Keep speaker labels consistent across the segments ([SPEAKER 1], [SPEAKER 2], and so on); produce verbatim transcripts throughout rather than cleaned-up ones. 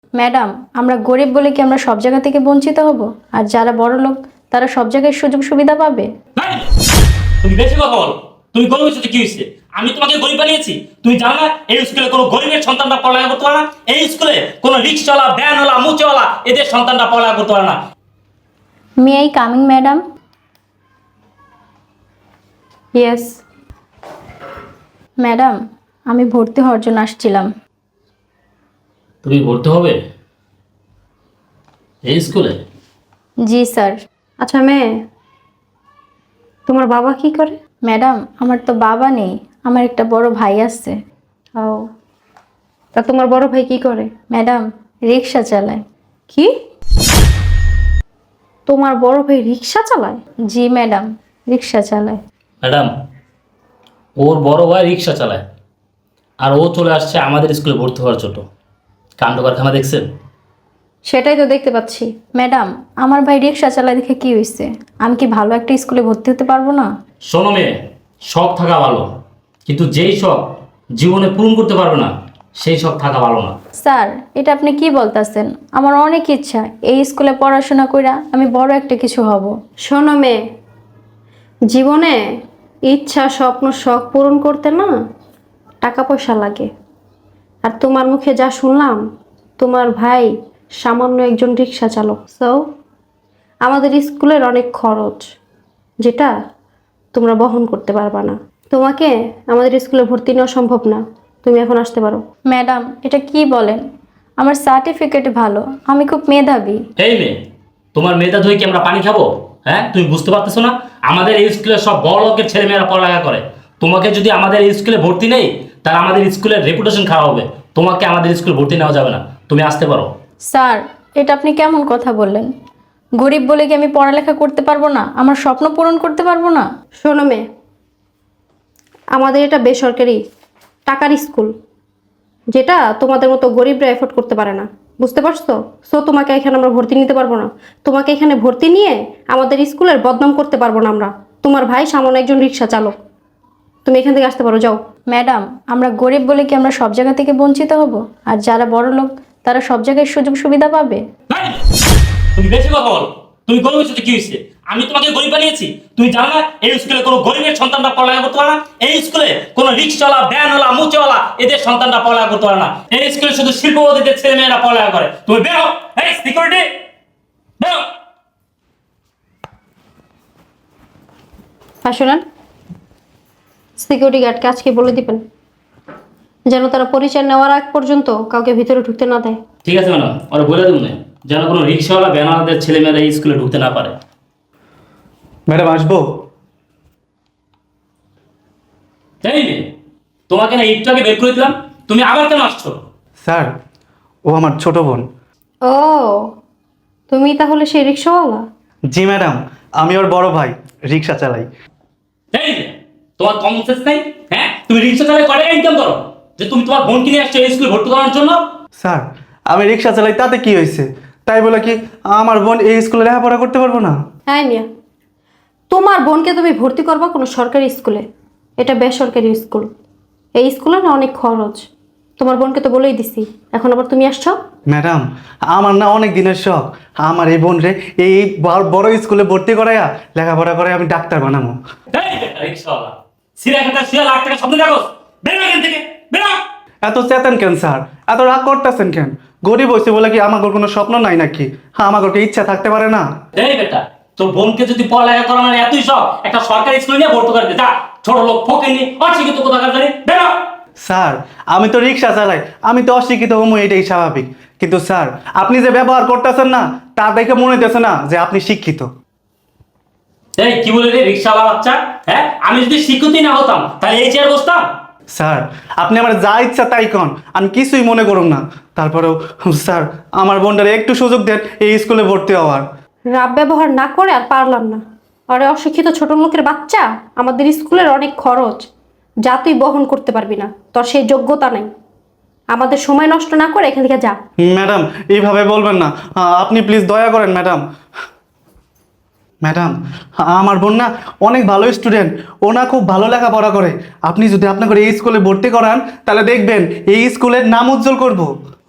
[SPEAKER 1] Madam, আমরা গরিব বলে কি আমরা সব জায়গা থেকে বঞ্চিত হব? আর যারা বড় লোক তারা সব জায়গায় সুযোগ সুবিধা পাবে?
[SPEAKER 2] এই, তুমি বেশি কথা বলো। তুমি গরিবের সাথে কি হয়েছে? আমি তোমাকে গরিব বানিয়েছি? তুমি জানো না এই স্কুলে কোনো গরিবের সন্তানরা পড়ালেখা করতে পারে না? এই স্কুলে কোনো রিক্সাওয়ালা, ভ্যানওয়ালা, মুচেওয়ালা এদের সন্তানরা পড়ালেখা করতে পারে না।
[SPEAKER 1] May I coming madam? Yes madam, আমি ভর্তি হওয়ার জন্য আসছিলাম।
[SPEAKER 2] তুমি ভর্তি হবে এই স্কুলে?
[SPEAKER 1] জি স্যার।
[SPEAKER 3] আচ্ছা মেয়ে, তোমার বাবা কি করে?
[SPEAKER 1] ম্যাডাম, আমার তো বাবা নেই, আমার একটা বড় ভাই আছে।
[SPEAKER 3] ও, তা তোমার বড় ভাই কি করে?
[SPEAKER 1] ম্যাডাম, রিক্সা চালায়।
[SPEAKER 3] কি? তোমার বড় ভাই রিক্সা চালায়?
[SPEAKER 1] জি ম্যাডাম, রিক্সা চালায়।
[SPEAKER 2] ম্যাডাম, ওর বড় ভাই রিক্সা চালায় আর ও চলে আসছে আমাদের স্কুলে ভর্তি হওয়ার জন্য। কাণ্ড কারখানা দেখছেন?
[SPEAKER 3] সেটাই তো দেখতে পাচ্ছি।
[SPEAKER 1] ম্যাডাম, আমার ভাই রিক্সা চালায় দেখে কি হয়েছে? আমি কি ভালো একটা স্কুলে ভর্তি হতে পারবো না?
[SPEAKER 2] শোনো মেয়ে, শখ থাকা ভালো, কিন্তু যেই শখ জীবনে পূরণ করতে পারবে না সেই শখ থাকা ভালো না।
[SPEAKER 1] স্যার, এটা আপনি কি বলতেছেন? আমার অনেক ইচ্ছা এই স্কুলে পড়াশোনা কইরা আমি বড় একটা কিছু হব।
[SPEAKER 3] শোনো মেয়ে, জীবনে ইচ্ছা, স্বপ্ন, শখ পূরণ করতে না টাকা পয়সা লাগে। আর তোমার মুখে যা শুনলাম, তোমার ভাই সামান্য একজন রিক্সা চালক। সো আমাদের স্কুলের অনেক খরচ, যেটা তোমরা বহন করতে পারবা না। তোমাকে আমাদের স্কুলে ভর্তি নেওয়া সম্ভব না। তুমি এখন আসতে পারো।
[SPEAKER 1] ম্যাডাম, এটা কি বলেন? আমার সার্টিফিকেট ভালো, আমি খুব মেধাবী।
[SPEAKER 2] এই মেয়ে, তোমার মেয়েটা ধুয়ে কি আমরা পানি খাবো? হ্যাঁ, তুমি বুঝতে পারতেছো না? আমাদের এই স্কুলে সব বড় লোকের ছেলেমেয়েরা পড়ালেখা করে। তোমাকে যদি আমাদের এই স্কুলে ভর্তি নেই, তাহলে আমাদের স্কুলের রেপুটেশন খারাপ হবে। তোমাকে আমাদের স্কুলে ভর্তি নেওয়া যাবে না। তুমি আসতে পারো।
[SPEAKER 1] স্যার, এটা আপনি কেমন কথা বললেন? গরিব বলে কি আমি পড়ালেখা করতে পারবো না? আমার স্বপ্ন পূরণ করতে পারবো না?
[SPEAKER 3] শোনো মেয়ে, আমাদের এটা বেসরকারি টাকার স্কুল, যেটা তোমাদের মতো গরিবরা এফোর্ড করতে পারে না। বুঝতে পারছো? সো তোমাকে এখানে আমরা ভর্তি নিতে পারবো না। তোমাকে এখানে ভর্তি নিয়ে আমাদের স্কুলের বদনাম করতে পারবো না আমরা। তোমার ভাই সামান্য একজন রিক্সা চালক। তুমি এখান থেকে আসতে পারো, যাও।
[SPEAKER 1] ম্যাডাম, আমরা গরিব বলে কি আমরা সব জায়গা থেকে বঞ্চিত হব? আর যারা বড় লোক তারা সব জায়গায় সুযোগ সুবিধা পাবে?
[SPEAKER 2] এই, তুমি বেশি কথা বলো। তুমি গরিবের সাথে কি হয়েছে? আমি তোমাকে গরিব বানিয়েছি? তুমি জানো না এই স্কুলে কোনো গরিবের সন্তানরা পড়ালেখা করতে পারে না? এই স্কুলে কোনো রিক্সাওয়ালা, ভ্যানওয়ালা, মুচেওয়ালা এদের সন্তানরা পড়ালেখা করতে পারে না। এই স্কুলে শুধু শিল্পপতিদের ছেলে মেয়েরা পড়ালেখা করে। তুমি বেরো। এই সিকিউরিটি, বেরো।
[SPEAKER 3] আর শোনেন, সিকিউরিটি গার্ডকে আজকে বলে দিবেন যেন তারা পরিচয় নেওয়ার আগ পর্যন্ত কাউকে ভিতরে ঢুকতে না দেয়।
[SPEAKER 2] ঠিক আছে ম্যাডাম, ওরা বলে দেবো না যেন কোনো রিক্সাওয়ালা, ভ্যানওয়ালাদের ছেলে মেয়েরা এই স্কুলে ঢুকতে না পারে।
[SPEAKER 4] ম্যাডাম আসবো?
[SPEAKER 2] এই মেয়ে, তোমাকে না একটু আগে বের করে দিলাম, তুমি আবার কেন আসছো?
[SPEAKER 4] স্যার, ও আমার ছোট বোন।
[SPEAKER 3] ও, তুমি তাহলে সেই রিক্সাওয়ালা?
[SPEAKER 4] জি ম্যাডাম, আমি ওর বড় ভাই, রিক্সা চালাই।
[SPEAKER 2] এই মেয়ে, তোমার কমন সেন্স নেই? হ্যাঁ, তুমি রিক্সা চালায় কয় টাকা ইনকাম করো যে তুমি তোমার বোনকে নিয়ে আসছো এই স্কুলে ভর্তি করানোর জন্য?
[SPEAKER 4] স্যার, আমি রিক্সা চালাই, তাতে কি হয়েছে? তাই বলে কি আমার বোন এই স্কুলে লেখাপড়া করতে পারবো না?
[SPEAKER 3] হ্যাঁ মিয়া, তোমার বোনকে তুমি ভর্তি করবা কোনো সরকারি স্কুলে? এটা বেসরকারি স্কুল। এই স্কুলে না অনেক খরচ। তোমার বোনকে তো বলেই দিছি, এখন আবার তুমি আসছো?
[SPEAKER 4] ম্যাডাম, আমার না অনেক দিনের শখ আমার এই বোন রে এই বড় বড় স্কুলে ভর্তি করাইয়া লেখাপড়া করে আমি ডাক্তার বানাবো।
[SPEAKER 2] এই বেটা রিক্সাওয়ালা, সিরা খাতা সিরা লাখ টাকা স্বপ্ন দেখো। বেরো এখান থেকে, বেরো।
[SPEAKER 4] এত চেতেন কেন স্যার? এত রাগ করতেছেন কেন? গরিব হয়েছে বলে কি আমার কোনো স্বপ্ন নাই নাকি? হ্যাঁ, আমার ইচ্ছা থাকতে পারে না?
[SPEAKER 2] এই বেটা, তোর বোনকে যদি পড়ালেখা করানোর এতই শখ, একটা সরকারি স্কুলে নিয়ে ভর্তি করে দে। যা, ছোট লোক ফকিনি অশিক্ষিত কোথাকার জানি, বেরো।
[SPEAKER 4] স্যার, আমি তো রিক্সা চালাই, আমি তো অশিক্ষিত হমু, এটাই স্বাভাবিক। কিন্তু স্যার, আপনি যে ব্যবহার করতেছেন না তা দেখে মনে হইতেছে না যে আপনি শিক্ষিত।
[SPEAKER 2] এই কি বলে রে রিক্সাওয়ালা বাচ্চা? হ্যাঁ, আমি যদি শিক্ষিতই না হতাম তাহলে এই চেয়ার বসতাম?
[SPEAKER 4] স্যার, আপনি আমার যা ইচ্ছা তাই কন, আমি কিছুই মনে করুন না। তারপরেও স্যার, আমার বোনটারে একটু সুযোগ দেন এই স্কুলে ভর্তি হওয়ার।
[SPEAKER 3] রাব ব্যবহার না করে আর পারলাম না। আরে অশিক্ষিত ছোট লোকের বাচ্চা, আমাদের স্কুলের অনেক খরচ যা তুই বহন করতে পারবি না, তোর সেই যোগ্যতা নাই। আমাদের সময় নষ্ট না করে এখান থেকে যা।
[SPEAKER 4] ম্যাডাম, এইভাবে বলবেন না, আপনি প্লিজ দয়া করেন ম্যাডাম। ম্যাডাম, আমার বোন না অনেক ভালো স্টুডেন্ট, ও না খুব ভালো লেখাপড়া করে। আপনি যদি আপনাকে এই স্কুলে ভর্তি করান তাহলে দেখবেন এই স্কুলের নাম উজ্জ্বল করব।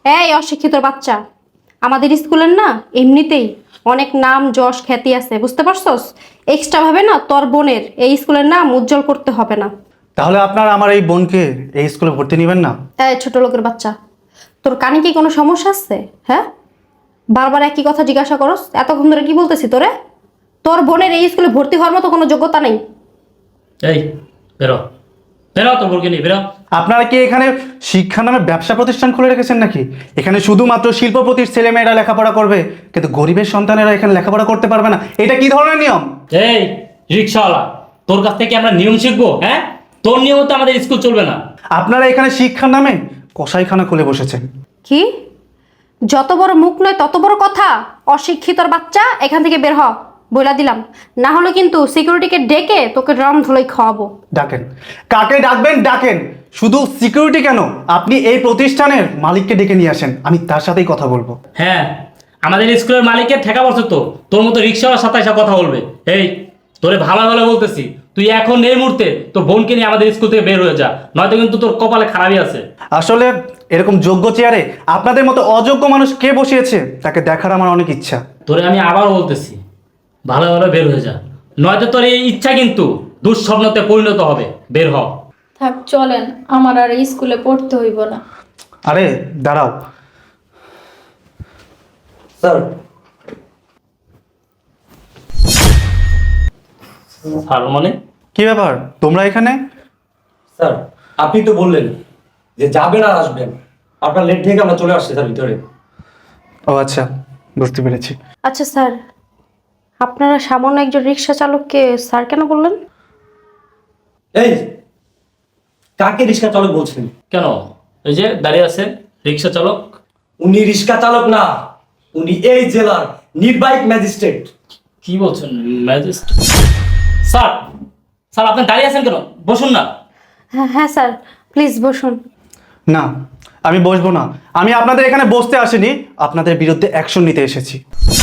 [SPEAKER 3] এই অশিক্ষিত বাচ্চা, আমাদের স্কুলের না এমনিতেই অনেক নাম যশ খ্যাতি আছে, বুঝতে পারছস? এক্সট্রা ভাবে না তোর বোনের এই স্কুলের নাম উজ্জ্বল করতে হবে না।
[SPEAKER 4] তাহলে আপনারা আমার এই বোনকে এই স্কুলে ভর্তি নেবেন না?
[SPEAKER 3] এই ছোট লোকের বাচ্চা, তোর কানে কি কোনো সমস্যা আছে? হ্যাঁ, বারবার একই কথা জিজ্ঞাসা করস। এতক্ষণ ধরে কি বলতেছি তোরে? তোর বোনের এই স্কুলে ভর্তি হওয়ার মতো কোনো যোগ্যতা নেই।
[SPEAKER 2] এই বেরো, বেরো, তোর বোনকে নিয়ে বেরো।
[SPEAKER 4] আপনারা কি এখানে শিক্ষা নামে ব্যবসা প্রতিষ্ঠান খুলে রেখেছেন নাকি? এখানে শুধুমাত্র শিল্পপতির ছেলেমেয়েরা লেখাপড়া করবে, কিন্তু গরিবের সন্তানেরা এখানে লেখাপড়া করতে পারবে না? এটা কি ধরনের নিয়ম?
[SPEAKER 2] এই রিক্সাওয়ালা, তোর কাছ থেকে আমরা নিয়ম শিখবো? হ্যাঁ, তোর নিয়ম তো আমাদের স্কুল চলবে না।
[SPEAKER 4] আপনারা এখানে শিক্ষার নামে কসাইখানা খুলে বসেছেন।
[SPEAKER 3] কি? যত বড় মুখ নয় তত বড় কথা। অশিক্ষিতর বাচ্চা, এখান থেকে বের হ, বইলা দিলাম। না হলে কিন্তু সিকিউরিটিকে ডেকে তোকে ড্রাম ধুলাই খাওয়াবো।
[SPEAKER 4] ডাকেন, কাকে ডাকবেন ডাকেন। শুধু সিকিউরিটি কেন, আপনি এই প্রতিষ্ঠানের মালিককে ডেকে নিয়ে আসেন, আমি তার সাথেই কথা বলবো।
[SPEAKER 2] হ্যাঁ, আমাদের স্কুলের মালিকের ঠেকা বসে তো তোর মতো রিক্সাওয়ালার সাথে এসে কথা বলবে। এই তোরে ভালো ভালো বলতেছি, তুই এখন এই মুহূর্তে তোর বোনকে নিয়ে আমাদের স্কুল থেকে বের হয়ে যা, নয়তো কিন্তু তোর কপালে খারাপই আছে।
[SPEAKER 4] আসলে এরকম যোগ্য চেয়ারে আপনাদের মতো অযোগ্য মানুষ কে বসিয়েছে তাকে দেখার আমার অনেক ইচ্ছা।
[SPEAKER 2] তোরে আমি আবারও বলতেছি, ভালো ভালো বের হয়ে যা, নয়তো তোর এই ইচ্ছা কিন্তু দুঃস্বপ্নতে পরিণত হবে। বের হ।
[SPEAKER 1] থাক, চলেন, আমার আর এই স্কুলে পড়তে হইব না।
[SPEAKER 4] আরে দাঁড়াও
[SPEAKER 5] স্যার।
[SPEAKER 2] আর মানে
[SPEAKER 4] কি ব্যাপার তোমরা এখানে?
[SPEAKER 5] স্যার, আপনি তো বললেন যে যাবেন আর আসবেন, আপনার লেট থেকে আমরা চলে আসছি স্যার ভিতরে।
[SPEAKER 4] ও আচ্ছা, বুঝতে পেরেছি।
[SPEAKER 3] আচ্ছা স্যার, আপনারা সামান্য একজন রিক্সা চালককে স্যার কেন বললেন?
[SPEAKER 5] এই কাকে রিক্সা চালক বলছেন?
[SPEAKER 2] কেন? এই যে দাঁড়িয়ে আছেন রিক্সা চালক।
[SPEAKER 5] উনি রিক্সা চালক না, উনি এই জেলার নির্বাহী ম্যাজিস্ট্রেট।
[SPEAKER 2] কি বলছেন ম্যাজিস্ট্রেট? স্যার, স্যার আপনি দাঁড়িয়ে আছেন কেন? বসুন না।
[SPEAKER 3] হ্যাঁ হ্যাঁ স্যার, প্লিজ বসুন।
[SPEAKER 4] না, আমি বসবো না। আমি আপনাদের এখানে বসতে আসিনি, আপনাদের বিরুদ্ধে অ্যাকশন নিতে এসেছি।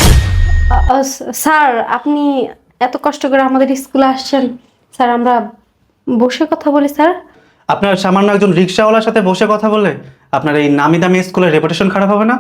[SPEAKER 3] আ- আ, স্যার, আপনি এত কষ্ট করে আমাদের স্কুলে আসছেন, স্যার আমরা বসে কথা বলি স্যার।
[SPEAKER 4] আপনার সামান্য একজন রিক্সাওয়ালার সাথে বসে কথা বললে আপনার এই নামি দামি স্কুলের রেপুটেশন খারাপ হবে না?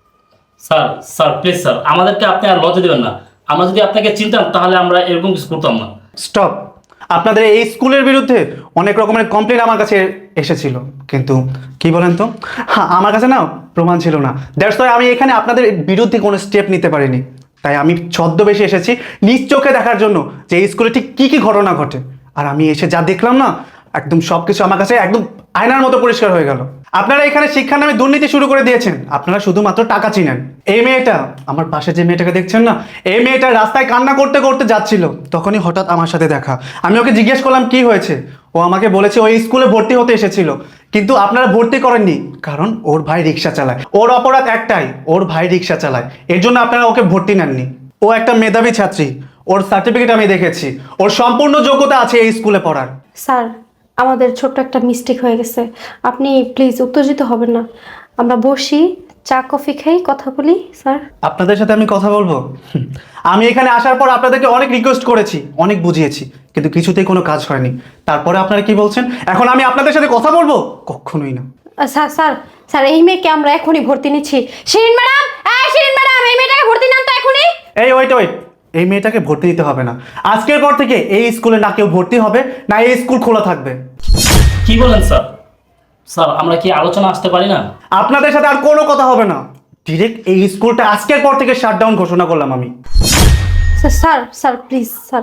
[SPEAKER 2] স্যার, স্যার প্লিজ স্যার, আমাদেরকে আপনি আর লজ্জা দেবেন না। আমরা যদি আপনাকে চিনতাম তাহলে আমরা এরকম কিছু করতাম না।
[SPEAKER 4] স্টপ। আপনাদের এই স্কুলের বিরুদ্ধে অনেক রকমের কমপ্লেন আমার কাছে এসেছিল, কিন্তু কি বলেন তো, হ্যাঁ আমার কাছে না প্রমাণ ছিল না। দ্যাটস ওয়াই আমি এখানে আপনাদের বিরুদ্ধে কোনো স্টেপ নিতে পারিনি। তাই আমি ছদ্মবেশে এসেছি নিজ চোখে দেখার জন্য যে এই স্কুলে ঠিক কী কী ঘটনা ঘটে। আর আমি এসে যা দেখলাম না, একদম সব কিছু আমার কাছে একদম আয়নার মতো পরিষ্কার হয়ে গেল। আপনারা এখানে শিক্ষার নামে দুর্নীতি শুরু করে দিয়েছেন। আপনারা শুধুমাত্র টাকা চিনেন। এই মেয়েটা, আমার পাশে যে মেয়েটাকে দেখছেন না, এই মেয়েটা রাস্তায় কান্না করতে করতে যাচ্ছিল, তখনই হঠাৎ আমার সাথে দেখা। আমি ওকে জিজ্ঞেস করলাম কি হয়েছে, ও আমাকে বলেছে ওই স্কুলে ভর্তি হতে এসেছিল, কিন্তু আপনারা ভর্তি করেননি কারণ ওর ভাই রিক্সা চালায়। ওর অপরাধ একটাই, ওর ভাই রিক্সা চালায়, এর জন্য আপনারা ওকে ভর্তি নেননি। ও একটা মেধাবী ছাত্রী, ওর সার্টিফিকেট আমি দেখেছি, ওর সম্পূর্ণ যোগ্যতা আছে এই স্কুলে পড়ার।
[SPEAKER 3] স্যার, আমাদের ছোট্ট একটা মিস্টেক হয়ে গেছে, আপনি প্লিজ উত্তেজিত হবেন না। আমরা বসি, চা কফি খাই, কথা বলি স্যার।
[SPEAKER 4] আপনাদের সাথে আমি কথা বলবো? হুম, আমি এখানে আসার পর আপনাদেরকে অনেক রিকোয়েস্ট করেছি, অনেক বুঝিয়েছি, কিন্তু কিছুতেই কোনো কাজ হয়নি। তারপরে আপনারা কি বলছেন এখন আমি আপনাদের সাথে কথা বলবো? কখনোই না।
[SPEAKER 3] আহ, স্যার স্যার স্যার এই মেয়েকে আমরা এখনই ভর্তি নিচ্ছি। শিরিন ম্যাডাম, এই শিরিন ম্যাডাম, এই মেয়েটাকে ভর্তি নেন তো এখনই।
[SPEAKER 4] এই ওয়েট ওয়েট, এই মেয়েটাকে ভর্তি দিতে হবে না। আজকের পর থেকে এই স্কুলে না কেউ ভর্তি হবে না, এই স্কুল খোলা থাকবে।
[SPEAKER 2] কি বলেন স্যার? স্যার আমরা কি আলোচনা আসতে পারি না?
[SPEAKER 4] আপনাদের সাথে আর কোনো কথা হবে না। ডিরেক্ট এই স্কুলটা আজকের পর থেকে শাটডাউন ঘোষণা করলাম আমি।
[SPEAKER 3] Sir sir sir please sir,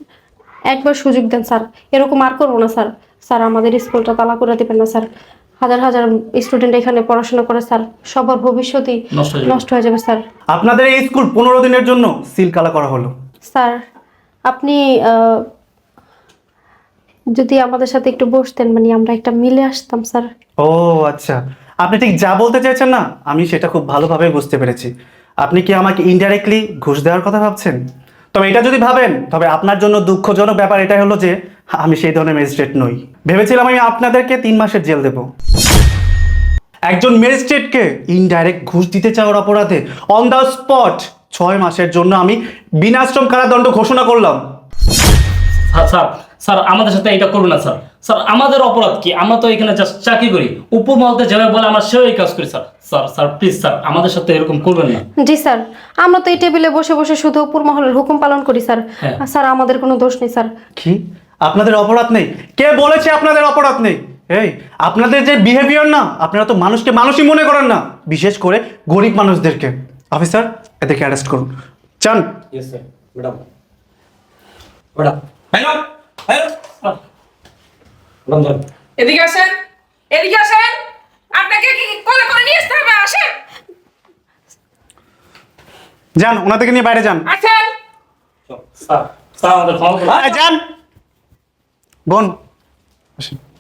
[SPEAKER 3] একবার সুযোগ দেন স্যার, এরকম আর করবো না স্যার। স্যার আমাদের স্কুলটা তালা করে দেবেন না স্যার। হাজার হাজার স্টুডেন্ট এখানে পড়াশোনা করে স্যার, সবার ভবিষ্যৎই
[SPEAKER 2] নষ্ট হয়ে যাবে।
[SPEAKER 3] নষ্ট হয়ে যাবে স্যার।
[SPEAKER 4] আপনাদের এই স্কুল পনেরো দিনের জন্য সিল কালা করা হলো।
[SPEAKER 3] স্যার আপনি আহ, যদি আমাদের সাথে একটু বসতেন, মানে আমরা একটা মিলে আসতাম স্যার।
[SPEAKER 4] ও আচ্ছা, আপনি ঠিক যা বলতে চাইছেন না আমি সেটা খুব ভালোভাবে বুঝতে পেরেছি। আপনি কি আমাকে ইনডাইরেক্টলি ঘুষ দেওয়ার কথা ভাবছেন? তবে এটা যদি ভাবেন তবে আপনার জন্য দুঃখজনক ব্যাপার এটাই হলো যে আমি সেই ধরনের ম্যাজিস্ট্রেট নই। ভেবেছিলাম আমি আপনাদেরকে তিন মাসের জেল দেব। একজন ম্যাজিস্ট্রেটকে ইনডাইরেক্ট ঘুষ দিতে চাওয়ার অপরাধে অন দ্য স্পট ছয় মাসের জন্য আমি বিনাশ্রম কারাদণ্ড ঘোষণা করলাম।
[SPEAKER 2] স্যার স্যার স্যার আমাদের সাথে এটা করুন না স্যার স্যার আমাদের অপরাধ কি? আমরা তো এখানে জাস্ট চাকরি করি, উপর মহলতে যেভাবে বলে আমরা সেই কাজ করি sir. Sir sir please sir আমাদের সাথে এরকম করবেন না।
[SPEAKER 3] জি স্যার, আমরা তো এই টেবিলে বসে বসে শুধু উপর মহলের হুকুম পালন করি স্যার।
[SPEAKER 2] হ্যাঁ।
[SPEAKER 3] আর স্যার আমাদের কোনো দোষ নেই স্যার।
[SPEAKER 4] কি আপনাদের অপরাধ নেই? কে বলেছে আপনাদের অপরাধ নেই? এই আপনাদের যে বিহেভিয়ার না, আপনারা তো মানুষকে মানুষই মনে করেন না, বিশেষ করে গরিব মানুষদেরকে। অফিসার এদেরকে অ্যারেস্ট করুন, চান।
[SPEAKER 5] Yes sir. Madam madam
[SPEAKER 2] hello hello
[SPEAKER 5] madam যান।
[SPEAKER 6] এদিকে আসেন, এদিকে আসেন, আপনাকে কি কোলে করে নিয়ে আসতে হবে? আসেন,
[SPEAKER 4] যান, ওনাদেরকে নিয়ে বাইরে যান।
[SPEAKER 6] আসেন।
[SPEAKER 2] স্যার স্যার আমাদের ক্ষমা করুন।
[SPEAKER 4] এই, যান বোন, আসেন।